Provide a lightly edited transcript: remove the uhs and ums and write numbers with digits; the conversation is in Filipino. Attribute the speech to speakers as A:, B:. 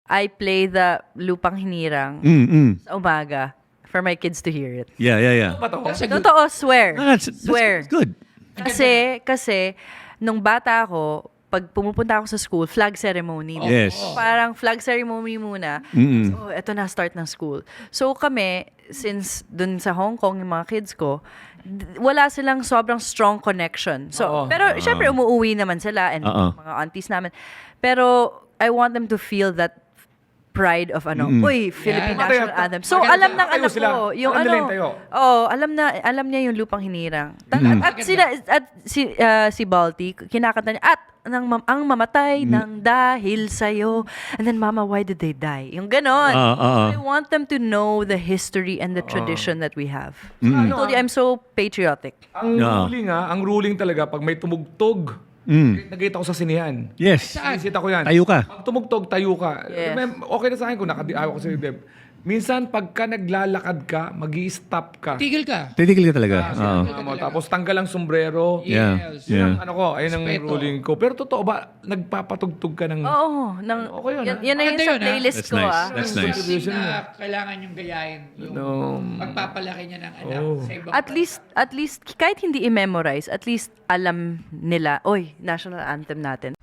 A: I play the Lupang Hinirang sa umaga for my kids to hear it.
B: Yeah.
C: That's a good.
A: Totoo, swear.
B: Ah,
A: Swear.
B: that's good.
A: Kasi, nung bata ako, pag pumupunta ako sa school, flag ceremony.
B: Yes.
A: Parang flag ceremony muna. So, eto na, start ng school. So kami, since dun sa Hong Kong, yung mga kids ko, wala silang sobrang strong connection. So, pero syempre umuwi naman sila and mga aunties namin. Pero I want them to feel that pride of uy, Philippine National Anthem. So alam ng anak ko, yung alam niya yung Lupang Hinirang. Si Balti, kinakanta niya, at ang mamatay ng dahil sa'yo. And then, Mama, why did they die? Yung ganon. I want them to know the history and the tradition that we have. So, I told you, I'm so patriotic.
D: Ang ruling talaga, pag may tumugtog, nagkita ko sa sinihan.
B: Yes.
D: Sinisita ko yan.
B: Tayo ka.
D: Pag tumugtog, tayo ka.
A: Yes.
D: Okay na sa akin kung nakadiawa ko sa Deb. Minsan, pagka naglalakad ka, mag-i-stop ka.
C: Tigil ka.
B: Titigil ka talaga.
D: Tapos tanggal ang sombrero.
B: Yeah.
C: Yes.
B: Yeah.
D: Ayun ang
C: Respeto.
D: ruling ko. Pero totoo ba, nagpapatugtog ka ng...
A: Oo.
D: Okay yun,
A: Yan na yun
C: Maganda
A: sa
C: yun,
A: playlist
B: That's
A: ko,
B: nice.
A: ah.
B: That's nice.
C: Something na kailangan yung gayahin. Yung pagpapalaki niya ng anak sa ibang
A: At least, kahit hindi i-memorize, at least alam nila, oy, national anthem natin.